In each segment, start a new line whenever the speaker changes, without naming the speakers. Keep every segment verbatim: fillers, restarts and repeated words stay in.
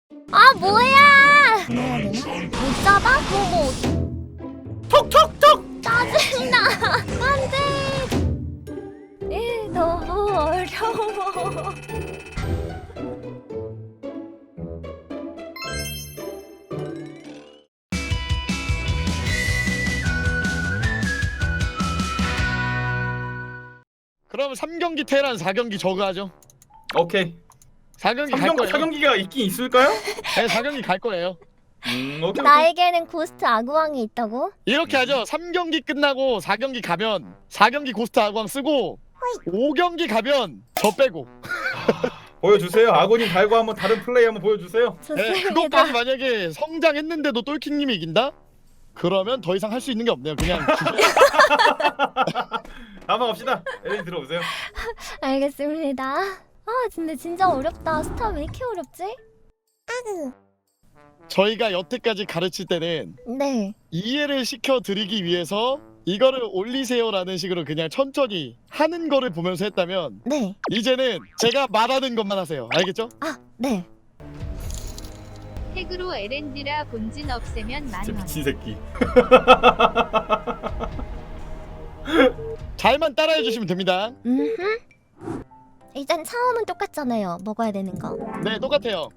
아 뭐야? 뭐야 되나? 못 잡아? 그거 뭐
톡톡톡!
짜증나. 안돼. 에 너무 어려워.
그럼 삼 경기 테란, 사 경기 저그 하죠.
오케이.
사 경기 갈
삼경,
거예요.
사경기가 있긴 있을까요?
네, 사 경기 갈 거예요.
음, 오케이. 오케이.
나에게는 고스트 아구왕이 있다고?
이렇게 하죠. 삼 경기 끝나고 사 경기 가면 사 경기 고스트 아광 쓰고 오 경기 가면 저 빼고.
보여주세요. 아군이 달고 한번 다른 플레이 한번 보여주세요.
네,
좋습니다.
그것까지 만약에 성장했는데도 똘킹님이 이긴다? 그러면 더 이상 할 수 있는 게 없네요. 그냥
다음 갑시다. 에린 들어오세요.
알겠습니다. 아 근데 진짜 어렵다. 스타 왜 이렇게 어렵지? 아그.
저희가 여태까지 가르칠 때는
네.
이해를 시켜드리기 위해서 이거를 올리세요라는 식으로 그냥 천천히 하는 거를 보면서 했다면
네.
이제는 제가 말하는 것만 하세요. 알겠죠?
아 네.
핵으로 엘엔디라 본진 없애면
진짜
만원.
미친 새끼.
잘만 따라해 주시면 됩니다.
음흠. 일단 처음은 똑같잖아요. 먹어야 되는 거.
네, 똑같아요.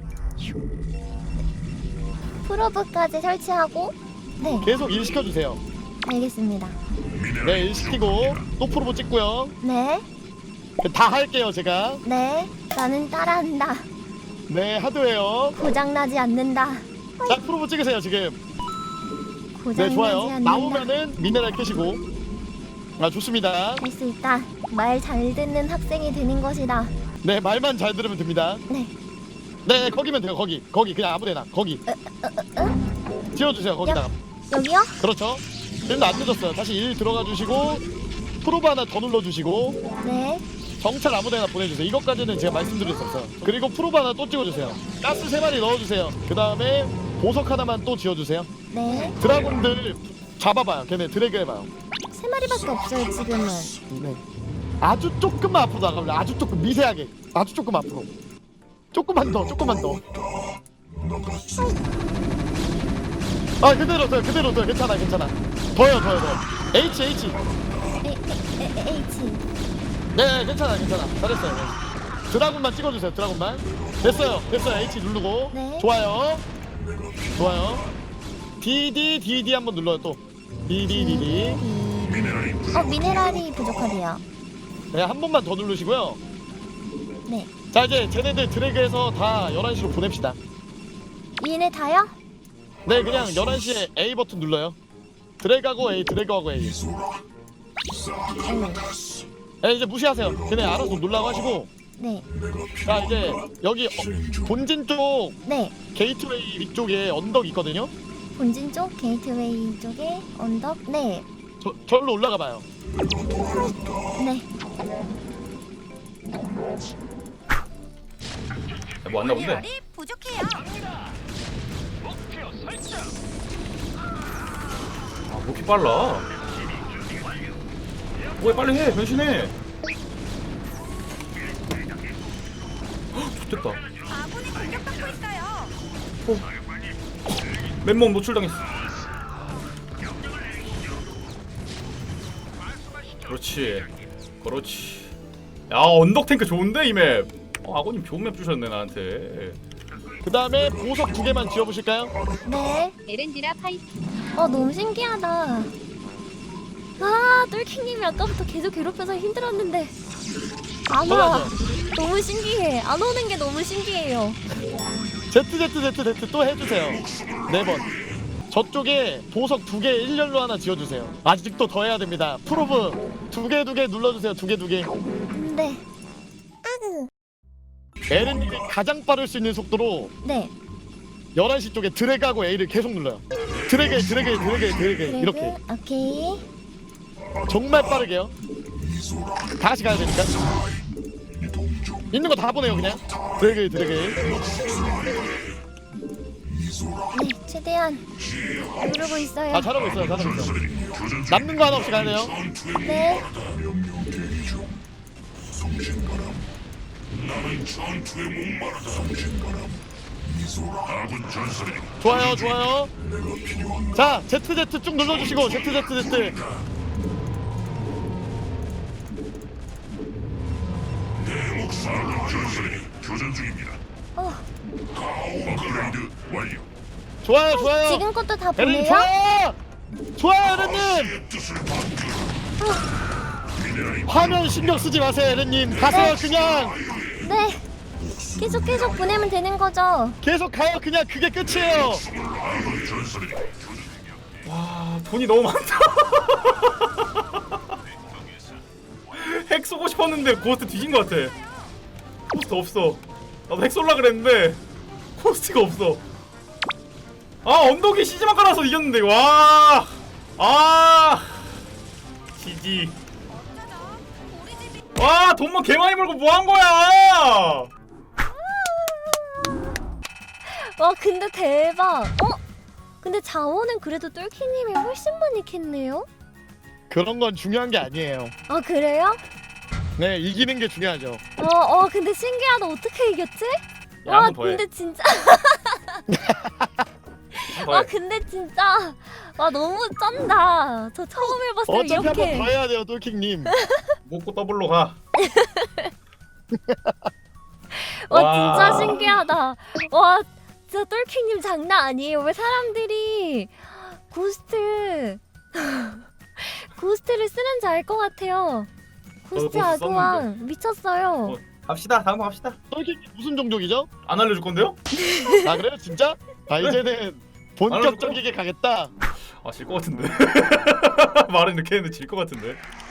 프로브까지 설치하고. 네.
계속 일 시켜주세요.
알겠습니다.
네, 일 시키고 또 프로보 찍고요.
네.
다 할게요, 제가.
네. 나는 따라한다.
네, 하드웨어.
고장나지 않는다.
자, 프로보 찍으세요, 지금.
고장나지
네, 좋아요.
않는다.
나오면은 미네랄 캐시고. 아, 좋습니다.
할 수 있다. 말 잘 듣는 학생이 되는 것이다.
네, 말만 잘 들으면 됩니다.
네.
네, 거기면 돼요, 거기. 거기, 그냥 아무데나. 거기. 지어주세요, 거기다가.
여기요?
그렇죠. 지금도 안 늦었어요. 다시 일 들어가 주시고 프로브 하나 더 눌러주시고
네.
정찰 아무데나 보내주세요. 이것까지는 제가 말씀드릴 수 없어요. 그리고 프로브 하나 또 찍어주세요. 가스 세 마리 넣어주세요. 그 다음에 보석 하나만 또 지어주세요.
네.
드라군들 잡아봐요. 걔네 드래그 해봐요.
세 마리밖에 없어요 지금은.
네. 아주 조금만 앞으로 나가볼래. 아주 조금 미세하게. 아주 조금 앞으로. 조금만 더. 조금만 더. 아 그대로 둬요. 그대로 둬요. 괜찮아 괜찮아. 더요 더요 더요. H H.
에, 에, 에, H.
네 괜찮아 괜찮아. 잘했어요. 네. 드라군만 찍어주세요. 드라군만. 됐어요. 됐어요. H 누르고.
네.
좋아요. 좋아요. D D D D 한번 눌러요 또. D D D D.
어 미네랄이 부족하대요.
네 한 번만 더 누르시고요.
네.
자 이제 쟤네들 드래그해서 다 열한 시로 보냅시다.
얘네 다요?
네 그냥 열한 시에 A 버튼 눌러요. 드래그하고 A 드래그하고 A.
네.
네 이제 무시하세요. 걔네 알아서 놀라고 하시고.
네.
자 이제 여기 어, 본진 쪽
네.
게이트웨이 위쪽에 언덕 있거든요.
본진 쪽 게이트웨이 쪽에 언덕. 네.
저, 절로 올라가 봐요.
네.
뭐 왔나 본데?
부족해요.
아, 뭐 이렇게 빨라? 뭐야 빨리 해 변신해. 헉, 좋겠다.
아군이 공격받고 있어요.
맨몸 노출당했어. 그렇지 그렇지. 야 언덕 탱크 좋은데 이 맵. 어, 아버님 좋은 맵 주셨네 나한테.
그 다음에 보석 두 개만 지어보실까요?
네.
엘엔디라 파이팅.
어 너무 신기하다. 아 똘킹님이 아까부터 계속 괴롭혀서 힘들었는데 안 와.
맞아.
너무 신기해. 안 오는 게 너무 신기해요.
Z Z Z Z 또 해주세요. 네 번. 저쪽에 보석 두 개 일렬로 하나 지어주세요. 아직도 더 해야 됩니다. 프로브 두 개 두 개 눌러주세요. 두 개 두 개.
네. 아그.
엘엔디 가장 빠를 수 있는 속도로
네.
열한 시 쪽에 드래그하고 A를 계속 눌러요. 드래그 드래그 드래그 드래그
그리고
이렇게
오케이.
정말 빠르게요. 다 같이 가야 되니까. 있는 거 다 보내요 그냥. 드래그 드래그.
네 최대한 누르고 있어요.
아 잘하고 있어요 잘하고 있어요. 남는 거 하나 없이 가야 돼요.
네.
좋아요 좋아요. 자 제트 제트 쭉 눌러주시고 제트 제트 제트.
어,
좋아요 좋아요.
지금 것도 다
에렌님
보내요?
좋아요. 좋아요 에렌님. 화면 신경 쓰지 마세요 에렌님. 가세요 그냥.
네. 계속 계속 보내면 되는 거죠?
계속 가요 그냥. 그게 끝이에요.
와 돈이 너무 많다. 핵 쏘고 싶었는데 고스트 뒤진 것 같아. 고스트 없어. 나도 핵 쏠라 그랬는데 고스트가 없어. 아 언덕에 시즈만 깔아서 이겼는데 와. 아 지지. 와 돈만 개 많이 벌고 뭐 한 거야?
와 근데 대박. 어? 근데 자원은 그래도 똘키님이 훨씬 많이 캤네요?
그런 건 중요한 게 아니에요.
아 그래요?
네 이기는 게 중요하죠.
어, 어 근데 신기하다. 어떻게 이겼지?
야,
와
한번 더 해.
근데 진짜
더
와
해.
근데 진짜 와 너무 쩐다. 저 처음 해봤어요
어차피 한 번
이렇게.
더 해야 돼요 똘킹님.
먹고 더블로 가.
와
와.
진짜 신기하다. 와 진짜 똘킹님 장난 아니에요. 왜 사람들이 고스트 고스트를 쓰는지 알 것 같아요. 고스트
고스트
아그왕 미쳤어요.
어. 갑시다. 다음 번 갑시다.
똘킹님 무슨 종족이죠?
안 알려줄 건데요?
아 그래요 진짜? 아 이제는 본격적이게 가겠다.
아 질 것 같은데. 말은 이렇게 했는데 질 것 같은데.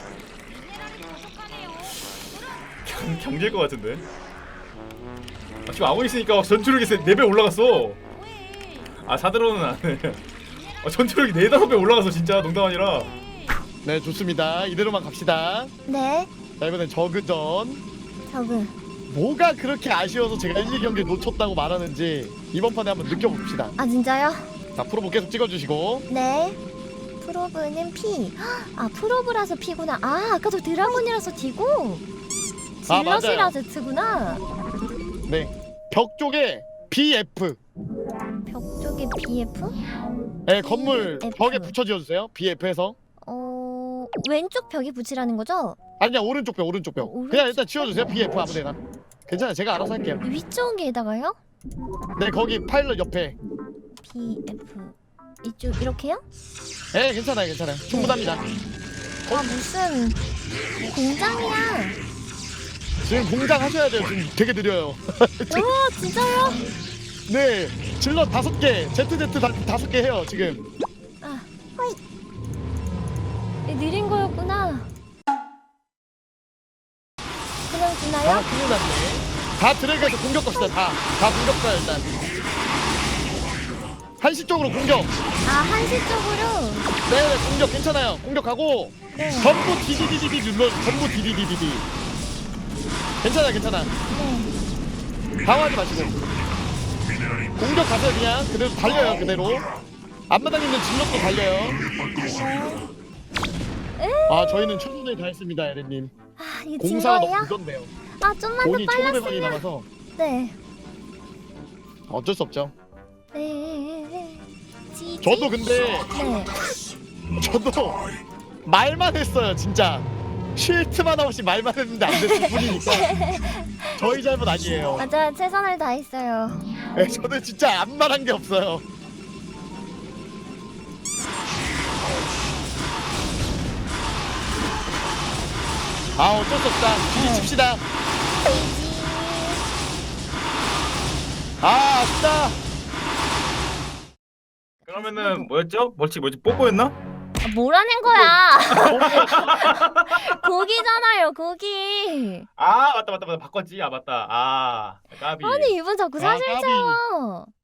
경, 경질 것 같은데. 아, 지금 아군 있으니까 전투력이 네 배 올라갔어. 아 사드론은 안 해. 아, 전투력이 네 다섯 배 올라갔어 진짜. 농담 아니라.
네 좋습니다. 이대로만 갑시다.
네
자 이번엔 저그전.
저그
뭐가 그렇게 아쉬워서 제가 일, 이 경기 놓쳤다고 말하는지 이번 판에 한번 느껴봅시다.
아 진짜요?
자 프로보 계속 찍어주시고.
네 프로브는 P. 아 프로브라서 P구나. 아 아까 저 드라곤이라서 D고
아,
질럿이라
맞아요.
Z구나.
네. 벽 쪽에 비에프.
벽 쪽에 B F?
네, 건물
비에프.
벽에 붙여 지어주세요. 비에프에서.
어 왼쪽 벽에 붙이라는 거죠?
아니야 오른쪽 벽 오른쪽 벽.
어, 오른쪽
그냥 일단 지워주세요. 비에프 아무데나. 괜찮아요. 제가 알아서 할게요.
위쪽에다가요?
네 거기 파일럿 옆에.
B F 이쪽 이렇게요?
네 괜찮아요 괜찮아요. 충분합니다.
아 무슨 공장이야?
지금 공장 하셔야 돼요. 지금 되게 느려요.
오 진짜요?
네 질럿 다섯 개, 제트제트 다, 다섯 개 해요 지금.
아 호이 이 느린 거였구나. 그냥
아
주나요?
큰일 났네. 다 드래그해서 공격 갑시다. 다. 다 공격 가요 일단. 한시 쪽으로 공격.
아 한시 쪽으로.
네네 공격 괜찮아요. 공격하고
네.
전부 디디디디디 눌러. 전부 디디디디디. 괜찮아 괜찮아.
네.
당황하지 마시고 공격 가세요. 그냥 그대로 달려요. 그대로 앞마당 있는 질럿도 달려요. 아 저희는 최선을 다했습니다 에렌님.
아 이게 진
공사가 너무
거예요?
늦었네요.
아 좀만 더
돈이 천오백원이
빨랐으면.
남아서
네.
어쩔 수 없죠.
네. 지지?
저도 근데
네.
저도 말만 했어요 진짜. 쉴트만 없이 말만 했는데 안 됐을 뿐이니까 저희 잘못 아니에요.
맞아요. 최선을 다했어요.
네, 저는 진짜 아무 말한 게 없어요. 아 어쩔 수 없다.
네.
뒤집시다.
지지.
아 아쉽다.
그러면은 뭐였죠? 멀치 뭐지? 뽀뽀였나?
아, 뭐라는 거야? 고기잖아요, 고기.
아 맞다 맞다 맞다 바꿨지. 아 맞다. 아 까비.
아니 이분 자꾸
아,
사실
까비.
채워.